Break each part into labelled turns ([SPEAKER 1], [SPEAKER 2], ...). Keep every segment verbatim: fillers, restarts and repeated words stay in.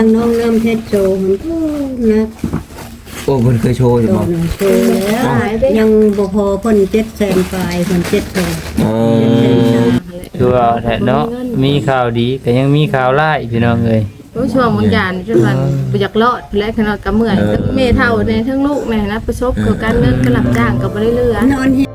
[SPEAKER 1] น้องน้ำเพชรโชว์มันก็นะ
[SPEAKER 2] โอ้เพิ่นเคยโชว์อยู่
[SPEAKER 1] โช
[SPEAKER 2] บ่
[SPEAKER 1] ว์หนึ่งโชว์แล้วยังบ่พอเพิ่นเจ็ดแสนปลายเพิ่นเจ็ดแสน
[SPEAKER 2] เออ
[SPEAKER 3] คือว่าแท้เนาะมีข่าวดีก็ยังมีข่าวร้ายพี่น้องเอ้ย
[SPEAKER 4] โอ้ช่วงบางอย่างจนมันบ่อยากรอดและขนาดกับเมื่อยทั้งแม่เฒ่าในทั้งลูกแม่นะประสบกับการเงินกระหลับจ้างก็บ่ได้เหลือน
[SPEAKER 1] อนที่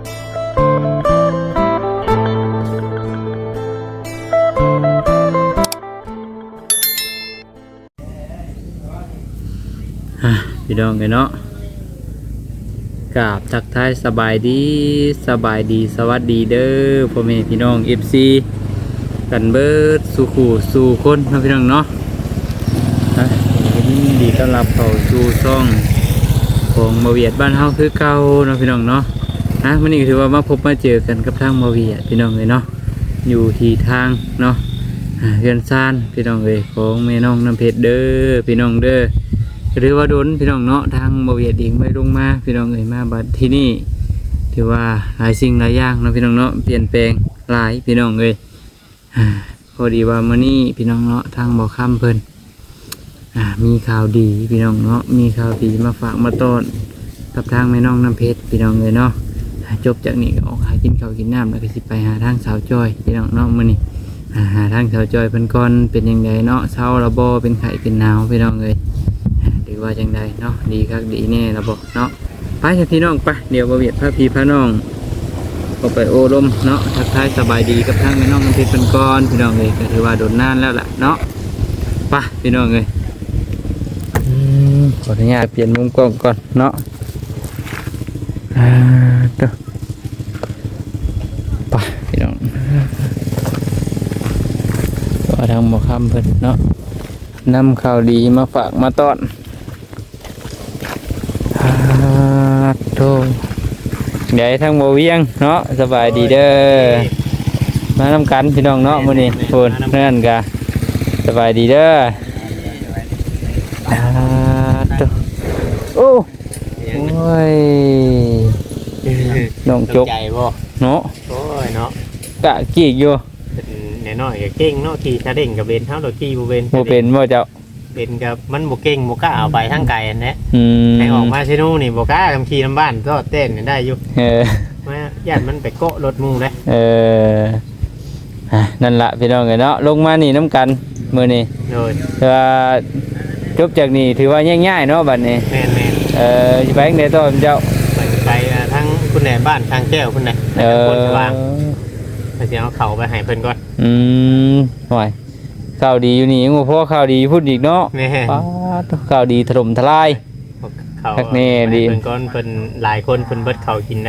[SPEAKER 3] อ่ะพี่น้องเอ้ยเนาะกราบทักทายสบายดีสบายดีสวัสดีเด้อพ่อแม่พี่น้อง เอฟ ซี กันเบิดสู่ขู่สู่คนเนาะพี่น้องเนาะอ่ะยินดีต้อนรับเข้าสู่ช่องของมาเวียดบ้านเฮาคือเก่าเนาะพี่น้องเนาะฮะวันนี้ก็ถือว่ามาพบมาเจอกันกับทางมาเวียดพี่น้องเลยเนาะอยู่ที่ทางเนาะอ่าเรือนซานพี่น้องเลยของแม่น้องน้ำเพชรเด้อพี่น้องเด้อหรือว่าโดนพี่น้องเนาะทางมาเวียดเองไม่ลงมาพี่น้องเลยมาบัดที่นี่ถือว่าหลายสิ่งหลายอย่างเนาะพี่น้องเนาะเปลี่ยนแปลงหลายพี่น้องเลยอ่าพอดีว่ามื้อนี้พี่น้องเนาะทางบ่อค่ำเพิ่นอ่ามีข่าวดีพี่น้องเนาะมีข่าวดีมาฝากมาต้อนกับทางแม่น้องน้ำเพชรพี่น้องเลยเนาะจบจากนี้ก็ออกหากินข้าวกินน้ำแล้วก็สิไปหาทางสาวจอยพี่น้องเนาะมื้อนี้อ่าหาทางสาวจอยเพิ่นก่อนเป็นยังไงเนาะเช้าระบ่เป็นไข้เป็นหนาวพี่น้องเลยอ่าหรือว่าจังใดเนาะดีคักดีแน่ระบ่เนาะไปเถอะพี่น้องไปเดี๋ยวบ่เวียดพาพี่พาน้องก็ไปโอ้ลมเนาะทักทายสบายดีกับทางแม่น้องน้ำเพชรเพิ่นก่อนพี่น้องเลยก็ถือว่าโดนนานแล้วล่ะเนาะไปพี่น้องเลยอืมขออนุญาตเปลี่ยนมุมกล้องก่อนเนาะอ่าเด้อไปพี่น้องก็ทางหมอคำเพิ่นเนาะนำข่าวดีมาฝากมาต้อนอ่าโธ่เดี๋ยวให้ทางหมอเวียงเนาะสบายดีเด้อมานำกันพี่น้องเนาะมื้อนี้เพิ่นเพื่อนกะสบายดีเด้ออ่าโธ่โอ้โอ้ยน้องจก
[SPEAKER 5] ใจบ่
[SPEAKER 3] เนาะ
[SPEAKER 5] โอ้ยเนาะ
[SPEAKER 3] กะกีกอยู่
[SPEAKER 5] เป็นน้อยๆก็เก่งเนาะขี่ชาเด้งกับเบนเท่าดอกขี่บ่เบน
[SPEAKER 3] บ่เป็นบ่เจ้า
[SPEAKER 5] เป็นกับมันบ่เก่งบ่กล้าเอาไปทางไกลอันนี้
[SPEAKER 3] อืม
[SPEAKER 5] ให้ออกมาซิโน่นี่บ่กล้าทำขี่น้ำบ้านก็เต้นได้อยู่
[SPEAKER 3] เออ
[SPEAKER 5] มาญาติมันไปโกะรถหมู่เด้
[SPEAKER 3] เอออ่ะนั่นล่ะพี่น้องเอ้ยเนาะลงมานี่น้ำกันมื้อนี้
[SPEAKER 5] โดย
[SPEAKER 3] ถือว่าจบจากนี้ถือว่าง่ายๆเนาะบัดนี้
[SPEAKER 5] แม่น
[SPEAKER 3] เออสิไปจังได๋ต่อเจ้า
[SPEAKER 5] ๆไปไปอ่าทั้งคุณแหนบ้านทางแก้วพุ่นน่ะ
[SPEAKER 3] เอ
[SPEAKER 5] ทาง
[SPEAKER 3] อ
[SPEAKER 5] คนสว่างไปสิเอาเข้าไปให้เพิ่นก่อน
[SPEAKER 3] อืมห่วยข่าวดีอยู่นี่ยังบ่พอข่าวดีพูดอีกเนาะ
[SPEAKER 5] แม่
[SPEAKER 3] ป๊าดข่าวดีถล่มทลาย
[SPEAKER 5] เข้า
[SPEAKER 3] คักแน่ดี
[SPEAKER 5] เพิ่นก่อนเพิ่นหลายคนเพิ่นเบิดเข้ากินนะ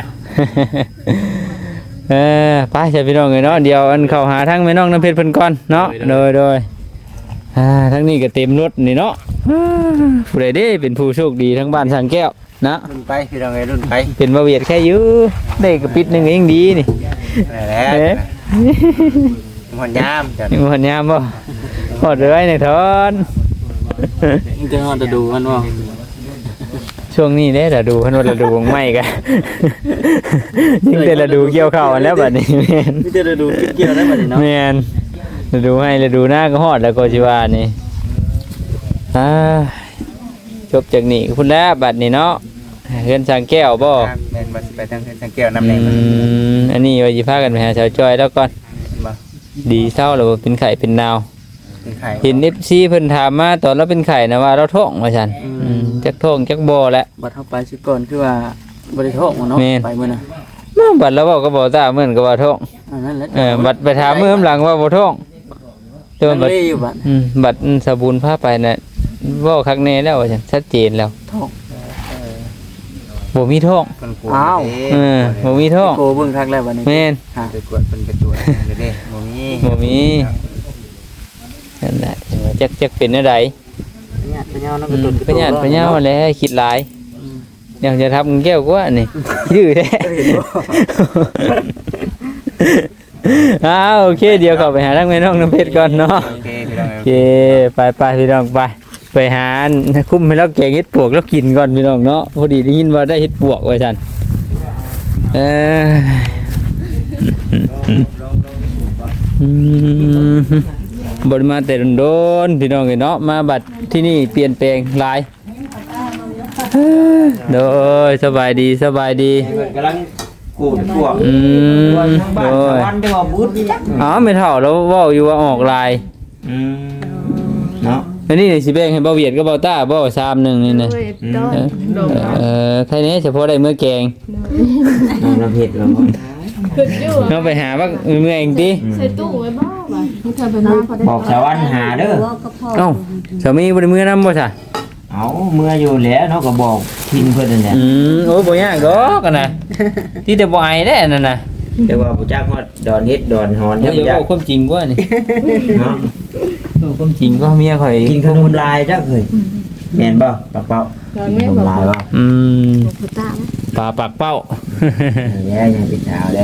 [SPEAKER 3] เออไปใช่พี่น้องเลยเนาะเดี๋ยวอันเข้าหาทั้งแม่น้องน้ำเพชรเพิ่นก่อนเนาะโดยโดยอ่าทั้งนี้ก็เต็มรถนี่เนาะอ่าผู้ใดเด้เป็นผู้โชคดีทั้งบ้านสังแก้วนะ
[SPEAKER 2] รุ่นไปพี่น้องเอ้ยรุ่นไป
[SPEAKER 3] เป็นมาเวียดแค่อยื้อได้กระปิดหนึงก็ยังดีนี่
[SPEAKER 2] นั่นแหละ
[SPEAKER 3] เอ๊ะ
[SPEAKER 2] มันยามจ้ะ
[SPEAKER 3] ยังมันยามบ่หอดเลยในทอน
[SPEAKER 2] จะฮอดจะดูมันบ่
[SPEAKER 3] ช่วงนี้เด้อดูเพิ่นว่าฤดูของไม้กัน ยิ่งแต่ฤดูเกี่ยวข้าวอันแล้วบัดนี้แม่น
[SPEAKER 2] มีแต่จะดูเกี่ยวได้บัดนี้เนาะ
[SPEAKER 3] แม่นฤดูให้ฤดูหน้าก็ฮอดแล้วก็สิว่านี่อ่าจบจากนี้พุ่นแล้วบัดนี้เนาะเฮือนสร้างแก้วบ่
[SPEAKER 2] แม่นบ่สิไปทางทางแก้วน้ำแด
[SPEAKER 3] อื
[SPEAKER 2] งมัน
[SPEAKER 3] มอันนี้ว่าสิพากันไปหาสาวจอยแล้วก่อน
[SPEAKER 2] บ่
[SPEAKER 3] ดีเศร้าแล้วบ่เป็นไข้เป็นหนาว
[SPEAKER 2] เป็นไข่
[SPEAKER 3] เห็น เอฟ ซี เพิ่นถามมาตอนเราเป็นไข้นะว่าเราท้องว่าซั่นอืมจักท้องจักบ่แหละ
[SPEAKER 6] บัดเข้าไปสิก่อนคือว่าบริโภคเนาะ
[SPEAKER 3] แม่น
[SPEAKER 6] ไปมื้อน่ะ
[SPEAKER 3] มาบัดเราเว้าก็บ่ตาเหมือนกับว่าท้อง
[SPEAKER 6] อันนั้นแหละ
[SPEAKER 3] เออบัดไปถามมื้อหลังว่าบ่ท้องแต่
[SPEAKER 6] มั
[SPEAKER 3] ว่าน บัด
[SPEAKER 6] เลยอยู่บัด
[SPEAKER 3] อืมบัดสบูนพาไปน่ะเว้าคักแน่แล้วว่าซั่นชัดเจนแล้ว
[SPEAKER 6] ท้อง
[SPEAKER 3] บ่มีท้อง
[SPEAKER 2] เพิ่นกลัว
[SPEAKER 6] อ้าว
[SPEAKER 3] เออบ่มีท้อง
[SPEAKER 6] โกเบิ่งคักแล้วบัดนี้
[SPEAKER 3] แม่น
[SPEAKER 6] ฮะ
[SPEAKER 2] ไปตรวจเพิ่นไปตรวจเด้อเด้บ่มี
[SPEAKER 3] บ่มีนั่นแหละจักจักเป็นอะไร
[SPEAKER 6] ญาติพี่น้องเนาะ
[SPEAKER 3] อื
[SPEAKER 6] ก็
[SPEAKER 3] ม
[SPEAKER 6] ตุน
[SPEAKER 3] ไปญาติไปยาวแหล้วคิดหลายเดี๋ยวจะทำแก้วกว่านี่ดื้อแท้ อ้าวโอเคเดี๋ยวเข้าไปหาทางแม่น้องน้ำเพชรก่อนเนาะ
[SPEAKER 2] โอเคพี่น้อง
[SPEAKER 3] โอ
[SPEAKER 2] เอ้
[SPEAKER 3] เคไปไปพี่น้องไปไปหาคุ้มให้เราแกงเห็ดปวกแล้วกินก่อนพี่น้องเนาะพอดีได้ยินว่าได้เห็ดปวกไว้ท่านเอออืมบริมาแต่โดนๆพี่น้องเอ้ยเนาะมาบัดที่นี่เปลี่ยนแปลงหลายโดยสบายดีสบายดี
[SPEAKER 2] เพิ่นกำลังกูดพวก
[SPEAKER 3] อืม
[SPEAKER 2] ว่าทางบ้าน
[SPEAKER 3] โด
[SPEAKER 2] ชาวย บ้านได้ว่าบูดนี่จัก
[SPEAKER 3] อ๋อไม่เท่าแล้วเว้าอยู่ว่าออกลาย
[SPEAKER 2] อืมเนาะ
[SPEAKER 3] อันนี้สิแบ่งให้เบาเวียดกับเบาต้าเบาชามหนึงนี่นะ
[SPEAKER 4] โดยดอก
[SPEAKER 3] เออ
[SPEAKER 4] ดอก
[SPEAKER 3] เออแค่นี้เฉพาะได้มื้อแกง
[SPEAKER 2] น้องน้ำเผ็ดแล้วบ่
[SPEAKER 4] ขึ้นอยู่
[SPEAKER 3] เนาะไปหาว่ามื้อเองติ
[SPEAKER 4] ใส่ตู้ไว้บ่ว่ามึงเธอไปน้ำพอได้
[SPEAKER 2] บอกชาวบ้านหาเด้อ
[SPEAKER 1] ว่าก็พอ
[SPEAKER 3] เอ้าสามีบ่ได้มื้อนำบ่ซะ
[SPEAKER 2] เอาเมื่ออยู่แล้วเนาะก็บอกทิ้งเพิ่นนั่นแหละ
[SPEAKER 3] อืมโอ้ยบ่ยากดอกกันน่ะที่แต่บ่อายแน่นั่นน่ะ
[SPEAKER 2] แต่ว่าบ่จักฮอดดอนเฮ็ดดอนหอน
[SPEAKER 3] เดี๋
[SPEAKER 2] เด้
[SPEAKER 3] ยว
[SPEAKER 2] อ
[SPEAKER 3] อย่า
[SPEAKER 2] บ่จัก
[SPEAKER 3] เว้าความจริงกว่านี่
[SPEAKER 2] เนาะ
[SPEAKER 3] เว้าความจริงก็เมียข่อย
[SPEAKER 2] กินขนมลายจักเฮ้ยแม่นบ่ปักเป้า
[SPEAKER 4] ตอน
[SPEAKER 2] กิ
[SPEAKER 4] แม่
[SPEAKER 2] นขน
[SPEAKER 4] บอ
[SPEAKER 2] ม
[SPEAKER 4] ก
[SPEAKER 2] ลายบ่
[SPEAKER 3] อืม
[SPEAKER 4] ผู้ตา
[SPEAKER 3] ปลาปากเป้า
[SPEAKER 2] แล้วยังเป็นสาวแล้ว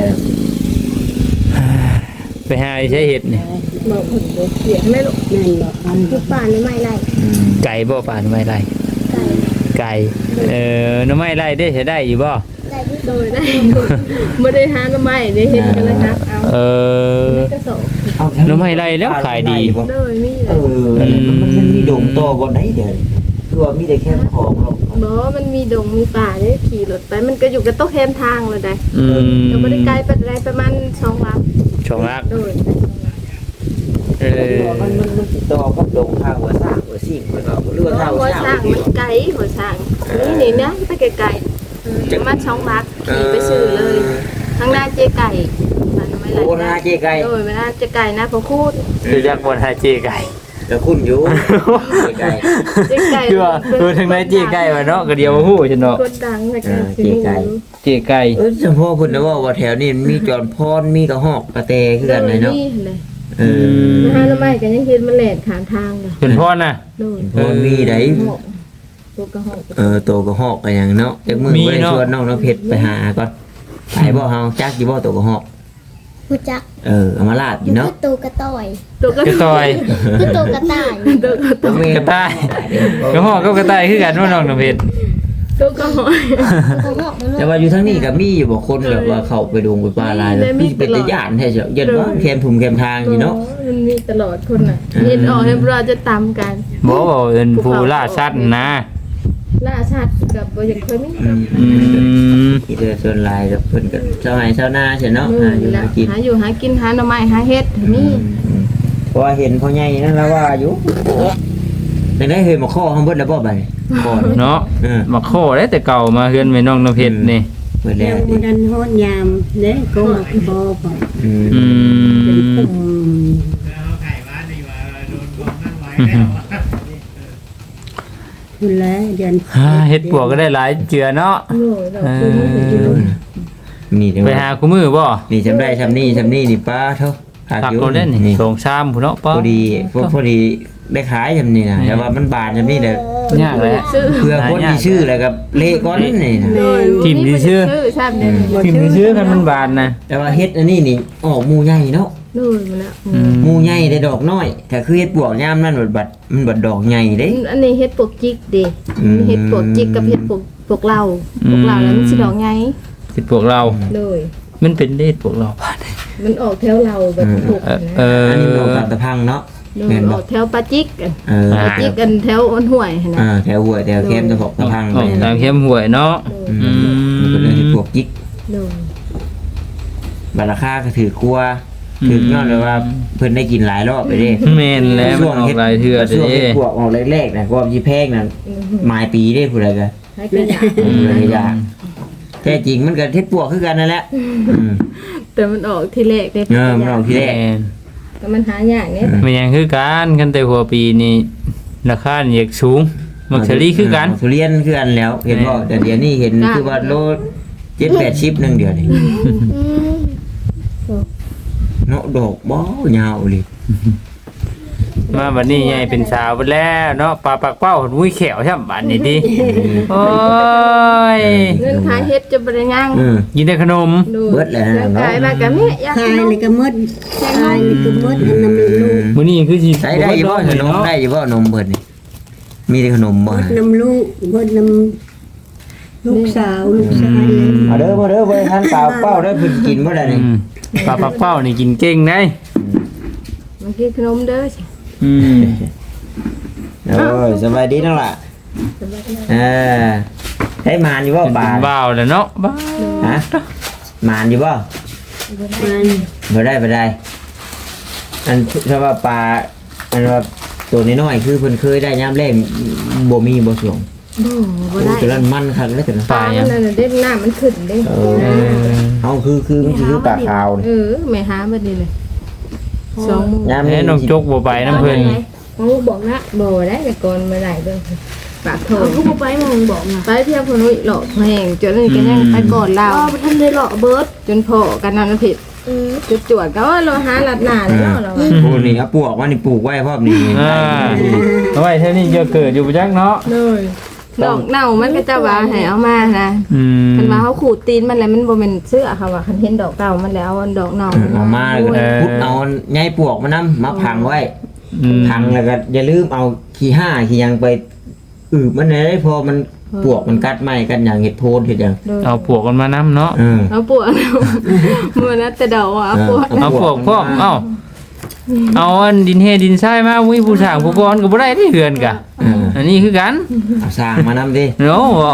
[SPEAKER 3] ไปหาไอ้ใช้เห็ดนี่
[SPEAKER 4] บอกคนเดียวเสียงไม่หรอก
[SPEAKER 1] แม่นบ่อัน
[SPEAKER 4] คือป่านนี่ไม่ไร
[SPEAKER 2] อืม
[SPEAKER 3] ไก่บ่ป่าหน่อไม้ไร่
[SPEAKER 4] ไก่
[SPEAKER 3] ไก่เอ่อหน่อไม้ไร่ได้ใช้ได้อยู่บ่
[SPEAKER 4] ได้โดยได้ไม่ได้หาหน่อไม้ได้เห็นกันเลยครับเอา
[SPEAKER 3] เออ
[SPEAKER 4] ไม่กระสอบ
[SPEAKER 2] เอา
[SPEAKER 3] หน่อไม้ไร่แล้วขายดี
[SPEAKER 4] โดยมีเล
[SPEAKER 2] เอย อมันมันมีดงโตบ่ได้เด้อคือว่ามีแต่แค่ของหรอก
[SPEAKER 4] บอกว่ามันมีดงมีป่าได้ขี่รถไปมันก็อยู่กับโต๊ะแคมทางเลยได้
[SPEAKER 3] อืม
[SPEAKER 4] ก็ไม่ได้ไกลไปไรประมาณสองลัก
[SPEAKER 3] ชองรัก
[SPEAKER 4] โดย
[SPEAKER 3] เออ
[SPEAKER 2] มันมันมันติดต่อกับดงทางหัวสร้างหัวสิ่งมันเอาเรือทางหั
[SPEAKER 4] หั
[SPEAKER 2] ว
[SPEAKER 4] ว
[SPEAKER 2] สร้า
[SPEAKER 4] สร้าง งมันไกลหัวสร้างนี่นี่นะไปไกลๆประมาณสองลักขี่ไปซื้อเลยข้างหน้าเจ๊ไก่ร้านไม่ไร
[SPEAKER 2] โอ้นาเจ๊ไก่
[SPEAKER 4] โดยเวลาเจ๊ไก่นะพอพูด
[SPEAKER 3] คือจักบ่หาเจไก่
[SPEAKER 2] ก็คุ้นอยู่เจ๊ไก่
[SPEAKER 4] เจ๊ไก่
[SPEAKER 3] คือว่าเออทางไหนเจไก่วะเนาะก็เดียวบ่ฮู้จังเนาะ
[SPEAKER 4] คนดังเลยกัน
[SPEAKER 2] เจ๊ไก่
[SPEAKER 3] เจไก่
[SPEAKER 2] เออเฉพาะเพิ่นนะว่าว่าแถวนี้มีจอนพรมีกระหอกกระแตคือกันเลยเนาะ
[SPEAKER 4] เลย
[SPEAKER 2] เออ
[SPEAKER 4] นะฮะแล้วไม่กันยังเห็นมันแหลกขานทางเลย
[SPEAKER 3] เป็นพ่อน่ะ
[SPEAKER 4] โดย
[SPEAKER 2] พรมีได้
[SPEAKER 4] ตัวกระหอบ
[SPEAKER 2] เออโตกระหอกก็อย่างเนาะจักมือ
[SPEAKER 3] มี
[SPEAKER 2] บ่ได้
[SPEAKER 3] เนาะ
[SPEAKER 2] ชวนน้องน้ำเพชรไปหาก่อนไปบ่เฮาจักอยู่บ่โตกระหอก
[SPEAKER 7] ผู้จัก
[SPEAKER 2] เออเอามาลาบอ
[SPEAKER 7] อยู่ ยู่
[SPEAKER 2] เนาะ
[SPEAKER 7] คือตูกระต่อย
[SPEAKER 4] ตัวกระ
[SPEAKER 3] กระต่อย
[SPEAKER 7] คือตูกระต่าย
[SPEAKER 4] ตัวกระ
[SPEAKER 2] ตัวแม่
[SPEAKER 3] กระต่ายกระหอกกับกระต่ายคือกันว่าน้องน้ำเพชร
[SPEAKER 4] ตัวกระหอบ
[SPEAKER 7] ตัวหอกมัน
[SPEAKER 2] แต่ว่าอยู่ทั้งนี้ก็มีอยู่บ่คนแบบว่าเข้าไปดงไปป่าลายแล้วมีเป็นตะย่านแท้เจ้ายันว่าแคมถุมแคมทางอยู่เนาะ
[SPEAKER 4] มันมีตลอดคนน่ะเห็นออกให้เราจะตามกัน
[SPEAKER 3] บ่ว่าเป็นผู้ล่าสัตว์นะ
[SPEAKER 4] ล่าชาติกับบ่ยังเคยมี
[SPEAKER 2] อืม
[SPEAKER 3] อืม
[SPEAKER 2] ที่เดือส่วนลายกับเพิ่นก็เจ้าไห้เจ้าหน้าใช่เนาะ
[SPEAKER 4] นู่
[SPEAKER 2] หาน อยู่
[SPEAKER 4] แหละ
[SPEAKER 2] หากิน
[SPEAKER 4] หาอยู่หากินหาหน่อไม้หาเฮ็ดมี
[SPEAKER 2] เพราะว่าเห็นพ่อใหญ่นั่นแล้วว่าอยู่ยังได้เห็นมาข้อข้างเบิดแล้วบ่บัดนี้ข้อนี่
[SPEAKER 3] เนาะ
[SPEAKER 2] เออ
[SPEAKER 3] มาโคได้แต่เก่ามาเฮือนแม่น้องน้ำเพชรนี่
[SPEAKER 2] เบิด
[SPEAKER 1] แล้
[SPEAKER 2] แล้ว ว
[SPEAKER 1] บ่ดันฮอดยามเด้ก็มาพอบ่
[SPEAKER 2] อืม
[SPEAKER 3] อื
[SPEAKER 1] เป็น
[SPEAKER 3] ม
[SPEAKER 1] ปุ่มคุณแล้วเดือน
[SPEAKER 3] ฮ่าเฮ็ดปวกก็ได้หลายเจือเนาะ
[SPEAKER 4] โอ้ยเราคือมันเห็นอยู่
[SPEAKER 2] นี่เดี๋ยว
[SPEAKER 3] ไปหาคู่มือบ่
[SPEAKER 2] นี่จำได้จำนี่จำนี่นี่ป้าเท่าขาด
[SPEAKER 3] ตัก
[SPEAKER 2] อยู่
[SPEAKER 3] โดนเล่นนี่
[SPEAKER 2] นี่
[SPEAKER 3] สองชามพุ่นเนาะ
[SPEAKER 2] พ
[SPEAKER 3] ป้า
[SPEAKER 2] อดีพวกพอดีได้ขายจำนี่นะแต่ว่ามันบานจำนี่เด้อย
[SPEAKER 3] ากแหละ
[SPEAKER 4] ซื้อ
[SPEAKER 2] เพื่อคนมีชื่อแล้วกับเละก้อนนี่นะ
[SPEAKER 4] โดย
[SPEAKER 3] ทิมที่ชื่อ
[SPEAKER 4] ชื่อชาติเนี่ย
[SPEAKER 3] พิมพ์ชื่อกันมันบานนะ
[SPEAKER 2] แต่ว่าเฮ็ดอันนี้นี่ออกหมูใหญ่เนาะ
[SPEAKER 4] โดยมาแล้ว
[SPEAKER 3] อืม
[SPEAKER 2] หมูใหญ่ได้ดอกน้อยแต่คือเฮ็ดปวกยามนั่นบัดบัดมันบัดดอกใหญ่เด้
[SPEAKER 4] อันนี้เฮ็ดปวกจิกเด้
[SPEAKER 2] อืม
[SPEAKER 4] เฮ็ดปวกจิกกับเฮ็ดปวกปวกเราปวกเราแล้วมันสิดอกไง
[SPEAKER 3] สิพวกเรา
[SPEAKER 4] เลย
[SPEAKER 3] มันเป็นเลขพวกเราบาน
[SPEAKER 4] มันออกแถวเราแบบปวก
[SPEAKER 3] เออ
[SPEAKER 4] นะ
[SPEAKER 3] เออ
[SPEAKER 2] อันนี้มันออกตามตะพังเนาะ
[SPEAKER 4] โดย
[SPEAKER 2] แม่น
[SPEAKER 4] อ
[SPEAKER 2] บ่
[SPEAKER 4] อกแถวปลาจิกกัน
[SPEAKER 2] เออ
[SPEAKER 4] ปลาจิกกันแถวอ้นห้วยหั่น
[SPEAKER 2] อ่า
[SPEAKER 4] นะ
[SPEAKER 2] แถวห้วยแถวเข้มตะพกตะพัง
[SPEAKER 3] ออกตามเข้มหวยเนาะ
[SPEAKER 2] อืม
[SPEAKER 3] อืม
[SPEAKER 2] มันก็เลยเฮ็ดปวกจิก
[SPEAKER 4] โดย
[SPEAKER 2] บัดราคาก็ถือกลัวถือยอดเลยว่าเพิ่นได้กินหลายรอบไปเด้
[SPEAKER 3] แม่นแล้วมันออกหลายเทื่อ
[SPEAKER 2] ช่วง
[SPEAKER 3] เด้
[SPEAKER 2] เฮ็ดปวกออกแรกๆนะความสิแพงนั่นหมายปีเด้ผู้ใดก็
[SPEAKER 4] ให้กระยา
[SPEAKER 2] อืมเลยยากแท้จริงมันก็เฮ็ดปวกคือกันนั่นแหละอืม
[SPEAKER 4] แต่มันออกทีแรกได้
[SPEAKER 2] เออมันออกทีแรก
[SPEAKER 3] แม่น
[SPEAKER 4] แต่มันหายากเนี่ย
[SPEAKER 3] มันยังคือกันกันแต่หัวปีนี่ราคานี่อยากสูงมักเฉลี่คือกัน
[SPEAKER 2] ทุเรียนคือกันแล้ว เห็นบ่แต่เดี๋ยวนี้เห็นคือว่าโลเจ็ดแปดสิบนึงเดียวนี่เนาะดอกบ่ยาวเลย
[SPEAKER 3] มาบัดนี้ใหญ่เป็นสาวไปแล้วเนาะปลาปากเป้ามุ้ยแขวช่ำบัดนี้ดิโอ้ย
[SPEAKER 4] เงินขายเฮ็ดจะบ่ได้ย่าง
[SPEAKER 2] อืม
[SPEAKER 3] กินได้ขนม
[SPEAKER 4] ดู
[SPEAKER 2] เบิดแล้วนะ
[SPEAKER 4] ขายมากับแม่อยาก
[SPEAKER 1] คาย
[SPEAKER 4] กิน
[SPEAKER 1] เลยก็หมดคายเลยก็หมดอันนั้นมันลูก
[SPEAKER 3] มื้อนี้คือสิ
[SPEAKER 2] ใช้ได้อยู่บ่ขนมได้อยู่บ่นมเบิดนี่มีแต่ขนมบ่
[SPEAKER 1] หมดน้ำลูกหมดน้ำลูกสาวลูกชายเลย
[SPEAKER 2] มาเด้อมาเด้อบ่ทันเปล่าเป้าได้เพิ่นกินบ่ได้
[SPEAKER 3] อื
[SPEAKER 2] นี่
[SPEAKER 3] มปลาปากเป้านี่กินเก่งได้
[SPEAKER 4] มันกินขนมเด้อ
[SPEAKER 3] อืม
[SPEAKER 2] โอ้ยสบายดีนั่นล่ะอ่าให้มานอยู่บ่ปลา
[SPEAKER 3] บ่าวแล้วเนาะบ้า
[SPEAKER 2] ฮะมานอยู่บ่
[SPEAKER 1] มัน
[SPEAKER 2] บ่ได้บ่ได้อันถ้าว่าปลาอันว่าตัวน้อยๆคือเพิ่นเคยได้ยามแรกบ่มีบ่สวง
[SPEAKER 4] บ่บ่
[SPEAKER 2] โอ้
[SPEAKER 4] ได้
[SPEAKER 2] ตัวนั้นมันคักเลยตัวนั้น
[SPEAKER 4] ปลามันนั่นน่ะเด้น้ำมันขึ้นเด้
[SPEAKER 2] เออเฮาคือคือมันคือปลาขาวนี่
[SPEAKER 4] เออแม่หาบัดนี้เลยสองมื้อย
[SPEAKER 2] าม
[SPEAKER 3] แม่
[SPEAKER 2] นี้
[SPEAKER 3] น้องจกบ่ไปน้ำเพิ่น
[SPEAKER 4] มึงบอกนะบ่ได้แต่ก่อนมาได้เด้อปากโถ
[SPEAKER 7] เอากูบ่ไปมึงบอกนะ
[SPEAKER 4] ไปเพียงคนนู้นหลอกแหงจนนี่ก็ยังไปก่อนเรา
[SPEAKER 7] อ๋อบ่ทันได้เลาะเบิด
[SPEAKER 4] จนพอกันนั้นผิด
[SPEAKER 7] อือ
[SPEAKER 4] จุดจวดก็ว่าเราหาหลัดหนาแล้วเรา
[SPEAKER 2] โอ้นี่เอาปลวกมานี่ปลูกไว้พร้อมนี่
[SPEAKER 3] อ่าเอาไว้เท่านี้เยอะเกิดอยู่บ่จักเนาะ
[SPEAKER 4] เลยดอกเน่ามันก็จะว่าให้เอามานะ
[SPEAKER 3] อืม
[SPEAKER 4] มันว่าเขาขูดตีนมันแล้วมันบ่แม่นเสื้อค่ะว่าคันเห็นดอกเก่ามันแล้วเอาดอกเน่า
[SPEAKER 2] เอามาแล้วก็พุดเอาใยปลวกมานำมาพังไว้
[SPEAKER 3] อืม
[SPEAKER 2] พังแล้วก็อย่าลืมเอาขี้ห้าขี้ยังไปอืบมันได้พอมันปลวกมันกัดไหมกันอย่างเห็ดโพนเห็ดอย่าง
[SPEAKER 3] เอาปวกกันมานํเนาะ
[SPEAKER 2] เออ
[SPEAKER 4] เอาปวดมันนะแต่ดอกอ่ะปวด
[SPEAKER 3] เอาปวกพร้อมเอ้าเอาอันดินเฮดินทรายมาวิผู้สร้างผู้ก่อนก็บ่ได้ที่เฮือนกะ
[SPEAKER 2] เออ
[SPEAKER 3] อันนี้คือกัน
[SPEAKER 2] เอาสร้างมานำดิ
[SPEAKER 3] เนาะบ่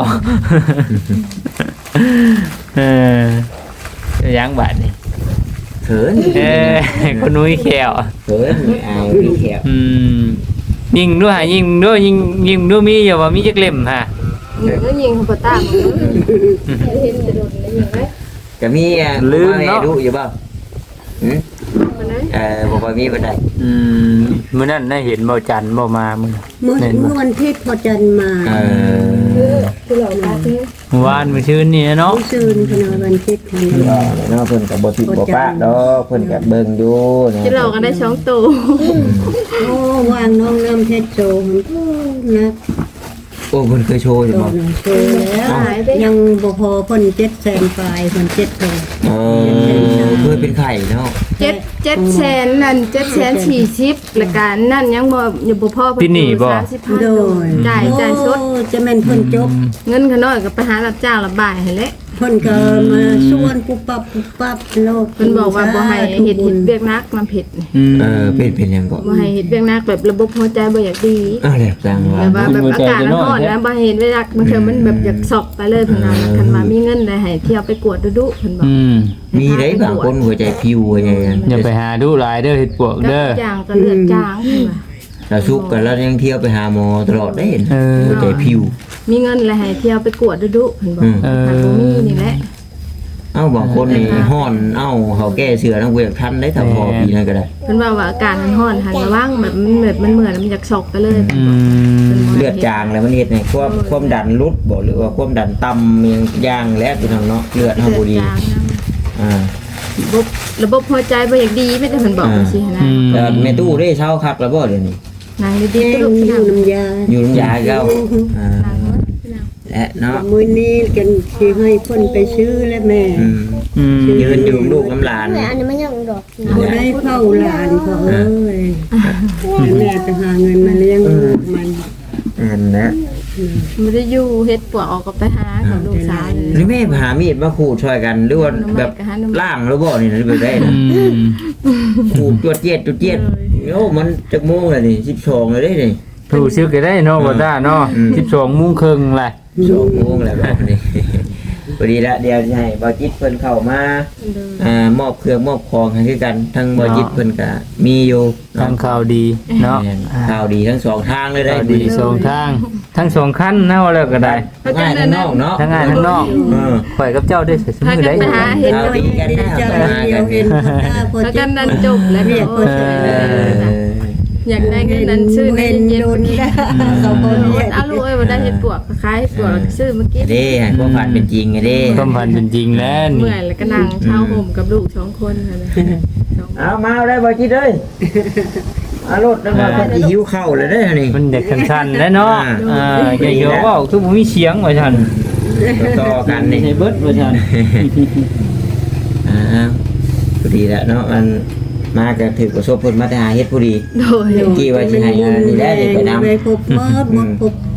[SPEAKER 3] เออยังบาดนี่
[SPEAKER 2] เขิน
[SPEAKER 3] เออคนนุ้ยแขว
[SPEAKER 2] เขินไม่อายมีแขว
[SPEAKER 3] อืมยิงด้วยหายิงด้วยยิงยิงด้วยมีอย่าว่ามีจักเล่มฮะ
[SPEAKER 4] แล้วยิงเขาปะตามเห็นจะโดนแล้วยิงไหม
[SPEAKER 2] ก็มีอ่ะลืมเนาะดูอยู่เปล่าหืม
[SPEAKER 4] มันนั้น
[SPEAKER 2] เออบอกว่ามีบันได
[SPEAKER 3] อืมมื้อนั้นได้เห็นบ่จันทร์บ่มามื้อ
[SPEAKER 1] เมื่อเมื่อวันที่พอจันมา
[SPEAKER 2] เออ
[SPEAKER 4] คือเราตาที่
[SPEAKER 3] เมื่อวานมื้อชื่นนี่เนาะ
[SPEAKER 1] ผู้ซื่นพนวันที่ทัน
[SPEAKER 2] ก็เนาะเพิ่นก็บ่ติดบ่ปะดอกเพิ่นก็เบิ่งอยู่นะ
[SPEAKER 4] ที่เราก็ได้ช่องโต
[SPEAKER 1] โอ้วางน้องน้ำเพชรโจมนะ
[SPEAKER 2] โอ้เพิ่นเคยโชว์อยู่
[SPEAKER 1] โจ
[SPEAKER 2] บ่
[SPEAKER 1] นะโจแล้วยังบ่พอเพิ่นเจ็ดแสนปลายเพิ่นเจ็ดโต
[SPEAKER 2] เออเคยเป็นไข่เนาะ
[SPEAKER 4] เจ็ดเจ็ดแสนนั่นเจ็ดแสนสี่สิบและการนั่นยังบ่ยังบ่พอสามสิบพัน
[SPEAKER 1] โดย
[SPEAKER 4] จ่ายจ่ายสด
[SPEAKER 1] โอ้จะแม่นเพิ่นจบ
[SPEAKER 4] เงินขน้อยก็ไปหารับจ้างรับบ่ายให้แหละ
[SPEAKER 1] เพิ่นก็มาส่วนปุ๊บปั๊บปุ๊บปั๊บโลก
[SPEAKER 4] เพิ่นบอกว่าบ่ให้เฮ็ดเฮ็ดเวียกนักมันผิด
[SPEAKER 3] อืม
[SPEAKER 2] เออเป็นเป็นหยังก็
[SPEAKER 4] บ่ให้เฮ็ดเวียกนักแบบระบบหัวใจบ่อยากดี
[SPEAKER 2] อ้าวแหละจังว่า
[SPEAKER 4] แบบว่าแบบอากาศมันร้อนนะบ่ให้เฮ็ดเวียกนักบางเทื่อมันแบบอยากสอบไปเลยเพิ่นว่าคันว่ามีเงินได้ให้เที่ยวไปกวดดุๆเพิ่นบอก
[SPEAKER 3] อืม
[SPEAKER 2] มีได้บางคนหัวใจพิวหัวใจ
[SPEAKER 3] อย่าไปหาดูหลายเด้อเฮ็ดปวก
[SPEAKER 4] ก็
[SPEAKER 3] เด้อ
[SPEAKER 4] จางก็เลือดจางเพิ่นว่า
[SPEAKER 2] เราสุกกันแล้วยังเที่ยวไปหาหมอตลอดได้เห็น
[SPEAKER 3] เออ
[SPEAKER 2] หัวใจพิว
[SPEAKER 4] มีเงินแล้วให้เที่ยวไปกวดดุๆเพิ่นบอก
[SPEAKER 2] อืม
[SPEAKER 4] ถ้าบ่มีนี่แหละ
[SPEAKER 2] เอ้าบางคนนี่ห้อนเอ้าเขาแก้เสือทั้งเวกทันได้ถ้าพอปีนั้นก็ได้
[SPEAKER 4] เพิ่นว่าว่าอาการมันร้อนหันระวังแบบมันแบบมันเหมือนมันอยากสอกไปเลย
[SPEAKER 3] อืม
[SPEAKER 2] เลือดจางแล้วมันเฮ็ดให้ความความดันลดบ่หรือว่าความดันต่ำอย่างย่างแล้วพี่น้องเนาะเลือดเฮาบ่ดี
[SPEAKER 4] เลือจางนะ
[SPEAKER 2] อ่า
[SPEAKER 4] ระบบระบบหัวใจบ่อยากดีไม่แต่เพิ่นบอกจังซี่นะ
[SPEAKER 3] อืม
[SPEAKER 2] แต่แม่ตู้ได้เช้าคักแล้วบ่เดี๋ยวนี้
[SPEAKER 4] นาง
[SPEAKER 1] แห้
[SPEAKER 4] ดีๆ
[SPEAKER 1] ง
[SPEAKER 4] ก็ลูก
[SPEAKER 1] อยู่น้ำยา
[SPEAKER 2] อยู่น้ำยาเก่าอ่าและเนาะ
[SPEAKER 1] มื้อนี้กันสิให้เพิ่นไปซื้อแล้วแม่
[SPEAKER 2] อืม
[SPEAKER 3] อืม
[SPEAKER 2] ยืนอยู่ลูกน้ำหลาน
[SPEAKER 7] แม่อันนี้มันยังดอก
[SPEAKER 1] บ่ได้เฝ้าหลานเขาเอ้ยแม่จะหาเงินมาเลี้ยงลูกมัน
[SPEAKER 2] อันนะ
[SPEAKER 4] บ่ได้อยู่เฮ็ดปวกออกก็ไปหากับลูกสาวเลย
[SPEAKER 2] หรือแม่หามีดมาขูดช่วยกันหรือว่าแบบล่างแล้วบ่นี่นะแบบได้นะ
[SPEAKER 3] อืม
[SPEAKER 2] ขูดจวดเจียดจวดเจียดโอ้มันจักโมงแล้วนี่สิบสองเลยได้นี่
[SPEAKER 3] ถูกซื้อก็ได้เนาะบ่ได้เนาะ
[SPEAKER 2] อืม
[SPEAKER 3] สิบสองโมงครึ่งแหละ
[SPEAKER 2] สองโมงแล้วแบบนี้ พอดีละเดี๋ยวจะให้บอจิตเพิ่นเข้ามาอ่ามอบเครื่องมอบของให้คือกันทั้งบอจิตเพิ่นก็มีอยู่
[SPEAKER 3] ทางข่าวดีเนาะ
[SPEAKER 2] แม่นข่าวดีทั้งสองทางเลยได้
[SPEAKER 3] ข่าวดีสองทาง ทั้งสองขั้นนะว่าแล้วก็ได้
[SPEAKER 2] ง่ายทั้งนอกเนาะ
[SPEAKER 3] ทั้งง่ายทั้งนอก
[SPEAKER 2] เออ
[SPEAKER 3] ข่อยกับเจ้าได้เสียส
[SPEAKER 4] ถ้า
[SPEAKER 3] มือ
[SPEAKER 4] กั
[SPEAKER 3] ได้
[SPEAKER 4] นไปหาเห็น
[SPEAKER 2] ข่าวดีกันได้
[SPEAKER 1] เจ้า
[SPEAKER 2] เข้ามา
[SPEAKER 1] เดีย
[SPEAKER 2] กั
[SPEAKER 1] วน เห็นตาพอ
[SPEAKER 4] ถ้า
[SPEAKER 1] จะ
[SPEAKER 4] กันนั้นจบแล้วก็โอ้ย
[SPEAKER 2] เออ
[SPEAKER 4] อยากได้เงินนั้นซื้อใน
[SPEAKER 1] เห็น
[SPEAKER 4] เย็น
[SPEAKER 1] โดนแล้วเขาบ่เรียก
[SPEAKER 4] เอาลูกเอ้ยบ่ได้เฮ็ดปวกคล้ายๆปวกแล้วก็ซื้อมากิน
[SPEAKER 2] เด้ให้ความฝันเป็นจริงไงเด้
[SPEAKER 3] ความพันเป็นจริงแล้ว
[SPEAKER 4] เมื่
[SPEAKER 3] นี่
[SPEAKER 4] อยแล้วก็นั่งเช่าห่มกับลูกสองคนค่ะนะสองคน
[SPEAKER 2] เอามาเอาได้บอจิตเอ้ยมารถแล้วก็คนที่หิวข้าวเลยเด้อนี่
[SPEAKER 3] มันเด็กสั้นๆแล้วเนาะ
[SPEAKER 2] อ่า
[SPEAKER 3] อ่าอย่าเยอะว่าคือบ่มีเสียงว่าซั่น
[SPEAKER 2] ต่อกันนี่
[SPEAKER 3] ให้เบิดว่าซั่น
[SPEAKER 2] อ่าพอดีแล้วเนาะมันมาก็ถือประสบผลมาแต่หาเฮ็ดพอดี
[SPEAKER 4] โดย
[SPEAKER 2] กี่ว่าสิให้อันนี้ได้เดี๋ยวไปนำ
[SPEAKER 1] ไปพบหมอบ่พบ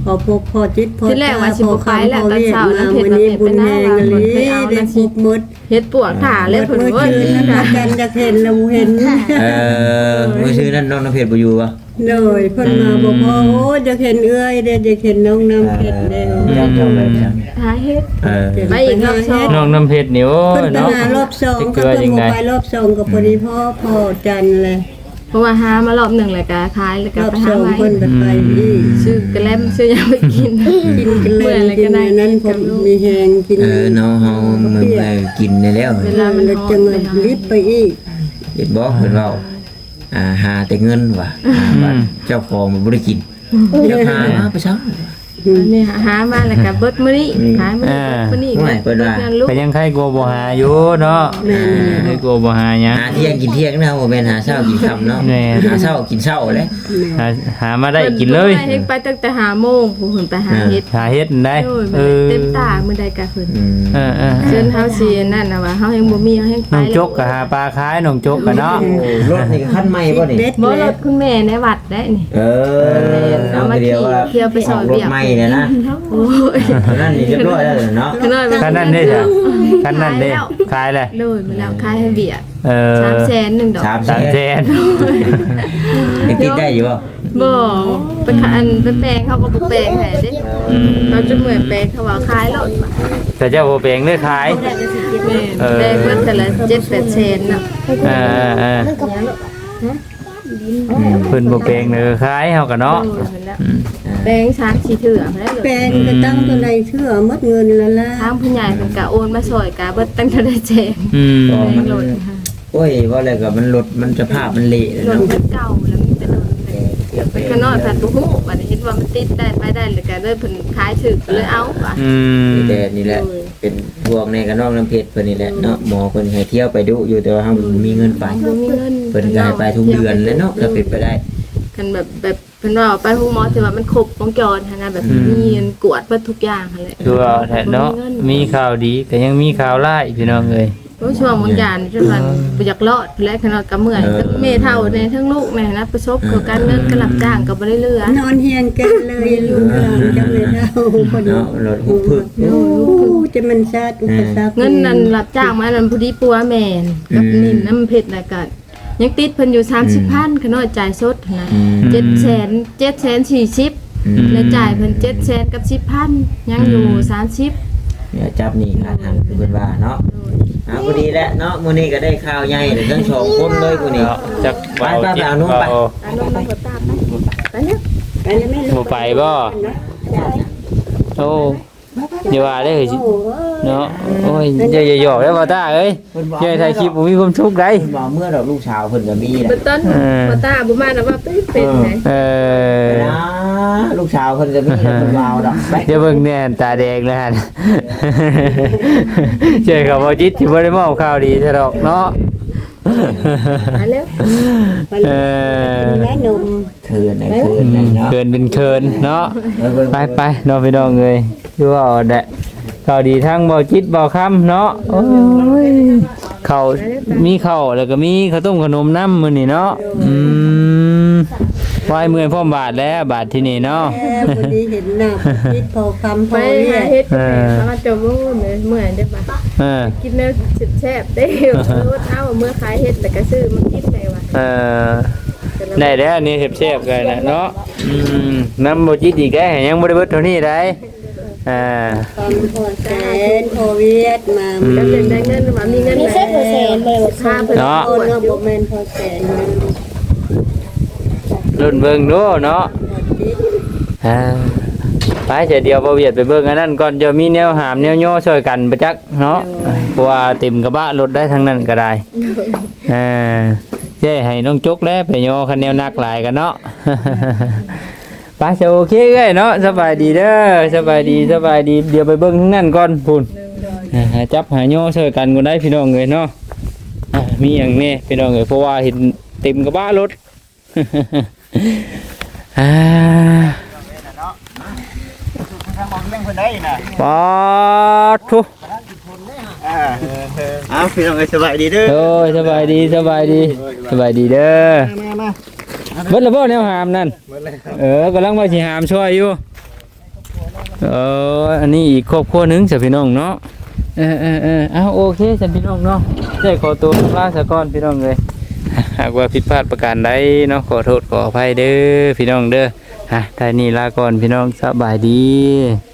[SPEAKER 1] พอพบพอจิตพอ
[SPEAKER 4] ที่แรกว่าสิบ่ไปแล้วตอนเช้านั้น
[SPEAKER 1] เพิ่
[SPEAKER 4] เฮ็ด
[SPEAKER 1] น
[SPEAKER 4] ว่า
[SPEAKER 1] มา
[SPEAKER 4] เฮ็ด
[SPEAKER 1] มื้อ
[SPEAKER 4] ไป
[SPEAKER 1] นี้
[SPEAKER 4] ได้
[SPEAKER 1] บุญแฮงเลย
[SPEAKER 4] ว่าเพิ่นไปเอา
[SPEAKER 1] ได้
[SPEAKER 4] นั่น
[SPEAKER 1] พบหมด
[SPEAKER 4] เฮ็ดปวกขาเลยเพิ่น
[SPEAKER 1] เมื่อ
[SPEAKER 4] ว่า
[SPEAKER 1] คืนนั้นกันจะเห็นเราเห็น
[SPEAKER 2] เออมื้อชื่อนั้นน้องน้ำเพชรบ่อยู่บ่
[SPEAKER 1] เลยเพิ่นมาบอกว่าโอ้จะเห็นเอื้อยเด้จะเห็นน้องน้ำเพชรเด้อ
[SPEAKER 2] เจ้าเจ้าแบบนั้น
[SPEAKER 4] หาเฮ็ด
[SPEAKER 2] เออ
[SPEAKER 4] ไปอีกรอบสอง
[SPEAKER 3] น้องน้ำเพชรนี่โอ้
[SPEAKER 1] เพิ่น
[SPEAKER 3] ย
[SPEAKER 1] ไป
[SPEAKER 3] เนาะ
[SPEAKER 1] หารอบสอง
[SPEAKER 3] จะ
[SPEAKER 1] ก็
[SPEAKER 3] เกลือ
[SPEAKER 1] เพิ่น
[SPEAKER 3] ยัง
[SPEAKER 1] บ่
[SPEAKER 3] ไง
[SPEAKER 1] ไปรอบสองก็พอดีพ่อพ่อจันเลย
[SPEAKER 4] เพราะว่าหามารอบหนึ่งแล้วก็ขายแล้วก็
[SPEAKER 1] รอบ
[SPEAKER 4] ไป
[SPEAKER 1] ส
[SPEAKER 4] หา
[SPEAKER 1] อง
[SPEAKER 4] ไว้
[SPEAKER 1] เพิ่นก็ไปอีก
[SPEAKER 4] ซื้อกระแลมซื้อหยังไปกิน
[SPEAKER 1] กินกัน
[SPEAKER 4] เมื่
[SPEAKER 1] เล่
[SPEAKER 4] อย
[SPEAKER 1] น
[SPEAKER 4] อะไร
[SPEAKER 1] กิ
[SPEAKER 4] ก็
[SPEAKER 1] น
[SPEAKER 4] ได้
[SPEAKER 1] อันนั้นผมมีแหงกิน
[SPEAKER 2] เออเนาะเฮามึงไปกินได้แล้ว
[SPEAKER 4] เวลามัน
[SPEAKER 1] แล้ว
[SPEAKER 4] ร้อน
[SPEAKER 1] จะเงินรีบไปอีก
[SPEAKER 2] เห็นบ่เพิ่นเว้าอ่าหาแต่เงินว่ะหาบัตรเจ้าของมันบ่ได้กินเจ้าหามาไปซัง
[SPEAKER 4] อันนี้หามาแล้วก็เบิดมื้อนี้ขายมื้อนี้มื้อนี้
[SPEAKER 2] ไม่เปิดว่า
[SPEAKER 4] งินลูก
[SPEAKER 3] ก็ยังใครกลัวบ่หาอยู่เนาะใครกลัวบ่หาหยัง
[SPEAKER 2] หาเที่ยงกินเที่ยงนะบ่แม่นหาเช้ากินค่ำเนาะ
[SPEAKER 3] แม่
[SPEAKER 2] หาเช้ากินเช้าแหละ
[SPEAKER 3] หาหามาได้กินเลย
[SPEAKER 4] พิ่นไปตั้งแต่ห้าโมงผู้เพิ่นไปหาเฮ็ด
[SPEAKER 3] หาเฮ็ดได้
[SPEAKER 4] โอ้ย
[SPEAKER 3] เออ
[SPEAKER 4] เต็มตามื้อใดก็เพิ่น
[SPEAKER 2] อืม
[SPEAKER 3] เออเออ
[SPEAKER 4] เชิญเฮาสินั่นน่ะว่าเฮายังบ่มีเฮายังไป
[SPEAKER 3] น้องจกก็หาปลาขายน้องจกก็เนาะ
[SPEAKER 2] โอ้รถนี่ก็คันใหม่บ่นี่
[SPEAKER 1] เด็ด
[SPEAKER 4] บ่
[SPEAKER 1] เล
[SPEAKER 4] ร
[SPEAKER 1] ย
[SPEAKER 4] ถคุณแม่ในวัดได้นี่
[SPEAKER 2] เออ
[SPEAKER 4] เอามา
[SPEAKER 2] เดียวว่า
[SPEAKER 4] เที่ยวไปซอย
[SPEAKER 2] ร
[SPEAKER 4] เวี
[SPEAKER 2] ถ
[SPEAKER 4] ยก
[SPEAKER 2] ใหม่เนี่ยนะ
[SPEAKER 4] โอ้ย
[SPEAKER 2] นั่นนี่เรียบร้อยแล้วเนาะ
[SPEAKER 4] ขนาด
[SPEAKER 3] คันนั้นเด้จ้ะคันนั้นเด้ขายเลย
[SPEAKER 4] เลยมาแล้วขายให้เบียด
[SPEAKER 3] เออ
[SPEAKER 4] สามแสนหนึ่งดอก
[SPEAKER 2] สามแส
[SPEAKER 3] สาม
[SPEAKER 2] น
[SPEAKER 3] แสน
[SPEAKER 2] ยังติดได้อยู่บ่
[SPEAKER 4] บ่ไปขายอันไปแปลงเขาก็บ่แปลงให้เด้
[SPEAKER 3] อืม
[SPEAKER 4] เขาจะเหมือนแปลงเขาว่าขายรถมา
[SPEAKER 3] แต่เจ้าบ่แปลงเลยขาย
[SPEAKER 4] แม่แปลงเพิ่นแต่ละเจ็ดแปดแสนน่ะ
[SPEAKER 3] เออเออเพิ่นบ่แปลงเลยขายเฮาก็เนาะ
[SPEAKER 4] โอ้ยเพิ่นแล้วแปลงช้างสีเถื่อมาได้เล
[SPEAKER 1] แปล
[SPEAKER 4] ย
[SPEAKER 1] งก็ตั้งตัวในเชื่อหมดเงินแล้วล่ะ
[SPEAKER 4] ทางผู้ใหญ่เพิ่นก็โอนมาซอยกะเบิดตั้งแต่ได้แจง
[SPEAKER 3] อืม
[SPEAKER 4] แปลงรถค่ะ
[SPEAKER 2] โอ้ยว่าอะไรก็มันรถมันสภาพมันเละเลย
[SPEAKER 4] รถ
[SPEAKER 2] เนาะ
[SPEAKER 4] มันเก่าแล้วมันเป็นรถไปข้างนอกผัดบ่ฮู้ว่าเห็นว่ามันติดได้ไปได้แล้วก็เลยเพิ่นขายถึกเลยเอาว่ะ
[SPEAKER 3] อืม
[SPEAKER 2] แต่นี่แหละเป็นพวกในกับน้องน้ำเพชรเพิ่นนี่แหละเนาะหมอเพิ่นให้เที่ยวไปดูอยู่แต่ว่าเฮาบ่มีเงินไป
[SPEAKER 4] บ่มีเงิน
[SPEAKER 2] เพิ่นก็ให้ไปทุกเดือนเลยเนาะถ้าเป็นไปได้
[SPEAKER 4] กันแบบแบบเพิ่นว่าไปฮู้หมอที่ว่ามันครบวงจรหันนะแบบมีเงินกวดเบิดทุกอย่างหั่นแหละ
[SPEAKER 3] คือว่าแท้เนาะมีข่าวดีก็ยังมีข่าวร้ายพี่น้องเอ้ย
[SPEAKER 4] โอ้ช่วงบางอย่างจนว่าบ่อยากรอดและขนาดก็เมื่อยทั้งแม่เฒ่าในทั้งลูกแม่นะประสบกับการเงินก็รับจ้างก็บ่ได้เหลือน
[SPEAKER 1] อนเฮียงกันเลยอยู่ข้างหลังจังเลยเท่าพอดี
[SPEAKER 2] เนาะรถหุบพึก
[SPEAKER 1] โอ้จะมันชาติอุปสรรค
[SPEAKER 4] เงินนั้นรับจ้างมานั้นผู้ดีปัวแม่นกับนิ่นน้ำเผ็ดแล้วก็ยังติดเพิ่นอยู่สามสิบพันขน้อยจ่ายสดนะ
[SPEAKER 2] อืม
[SPEAKER 4] เจ็ดแสนเจ็ดแสนสี่สิบ
[SPEAKER 2] อืม
[SPEAKER 4] แล้วจ่ายเพิ่นเจ็ดแสนกับสิบพันยังอยู่สามสิบ
[SPEAKER 2] เนี่ยจับนี่ขาทางคือเพิ่นว่าเนาะอ่าพอดีแล้วเนาะมื้อนี้ก็ได้ข่าวใหญ่เลยทั้งสองคนเลยกูนี่
[SPEAKER 3] เนาะจัก
[SPEAKER 2] ไปไปไปเอานุ่มไป
[SPEAKER 4] อานนท์มาตามไปไปเนี่ย
[SPEAKER 1] ไปแล้วแม่ลู
[SPEAKER 3] บ่
[SPEAKER 1] ก
[SPEAKER 3] ไปบ่โอ้อย่าว่าได้เฮ้ยเนาะโอ้ยอย่าอย่าหยอกแล้วบ่ตาเอ้ยอย่าถ่ายคลิปบ่มีความสุขได้
[SPEAKER 2] เพิ่นว่าเมื่อดอกลูกสาวเพิ่นก็มีแหละ
[SPEAKER 4] เบิ่ต้นบ่ตาบ่มานะว่าเป็นเป็นไง
[SPEAKER 3] เออ
[SPEAKER 2] นะลูกสาวเพิ่นก็มีแล้วเพิ่นว่าเอาดอกไป
[SPEAKER 3] อย่าเบิ่งแน่ตาแดงเลยฮะเจ้าเขาบ่จิตสิบ่ได้มอบข่าวดีซะดอกเนาะ
[SPEAKER 4] ไปแล้ว
[SPEAKER 3] เออ
[SPEAKER 1] แม่นม
[SPEAKER 2] เทินนะเทินนะเนาะ
[SPEAKER 3] เกินเป็นเคินเนาะ
[SPEAKER 2] เออเบิ่ง
[SPEAKER 3] ไปไปๆน้องพี่น้องเอ้ยคือว่าเอาแหละข่าวดีทั้งบ่จิตบ่ค่ำเนาะโอ้ยข้าวมีข้าวแล้วก็มีข้าวต้มขนมน้ำมื้อนี้เนาะอืมวายเมื่อยพร้อมบาทแล้วบาทที่นี่เนาะ
[SPEAKER 1] แม่พอดีเห็นหน้าคิดพอคำพ
[SPEAKER 4] ไป
[SPEAKER 1] อเรี
[SPEAKER 4] หาย
[SPEAKER 1] ก
[SPEAKER 4] เฮ็ดเขามาจะบ่เมื่อยเมื่อยได้ปะ
[SPEAKER 3] เออ
[SPEAKER 4] กินเนื้อแซ่บๆได้รถเอาเมื่อขายเฮ็ดแล้วก็ซื้อมากินได้ว่ะ
[SPEAKER 3] เออได้แล้วนี่เชฟๆกันนะเนาะอืมน้ำบ่จิตอีกได้วยังบ่ได้เบิดเท่านี้ได้อ่า
[SPEAKER 1] คำพอแสนพอเวียดมา
[SPEAKER 4] แล้วเพิ่นได้เงินว่ามีเงิน
[SPEAKER 7] มีเส้นหัวแสนเลย
[SPEAKER 4] ค่าเพิ่น
[SPEAKER 1] โอ้เนาะบ่แม่นพอแสนนะ
[SPEAKER 3] รุ่นเบิ่งดูเนาะ
[SPEAKER 1] พอจิต
[SPEAKER 3] อ่าไปเสียเดียวบ่เวียดไปเบิ่งอันนั้นก่อนจะมีแนวหามแนวย่อช่วยกันประจักเนาะเพราะว่าเต็มกระบะรถได้ทั้งนั้นก็ได้อ่าเจ้ให้น้องจกแล้วไปย่อคันแนวหนักหลายกันเนาะ ไปจะโอเคเอ้ยเนาะสบายดีเด้อสบายดีสบายดีเดี๋ยวไปเบิ่งทั้งนั้นก่อนพุ่นอ่าหาจับหาย่อช่วยกันก็ได้พี่น้องเอ้ยเนาะอ่ามีอย่างนี้พี่น้องเอ้ยเพราะว่าเห็นเต็มกระบะรถ อ่า ปอดทุ
[SPEAKER 2] เอาพี่น้องสบายดีเด้อ
[SPEAKER 3] โอ้ยสบายดีสบายดีสบายดีเด้อเบิดละบ่แนวหามนั่นเออกำลังว่าสิหามช่วยอยู่เอออันนี้อีกครอบครัวหนึงจ้ะพี่น้องเนาะเออเออเออเอาโอเคจ้ะพี่น้องเนาะได้ขอตัวลาซะก่อนพี่น้องเลยหากว่าผิดพลาดประการใดเนาะขอโทษขออภัยเด้อพี่น้องเด้อฮะท่านี้ลาก่อนพี่น้องสบายดี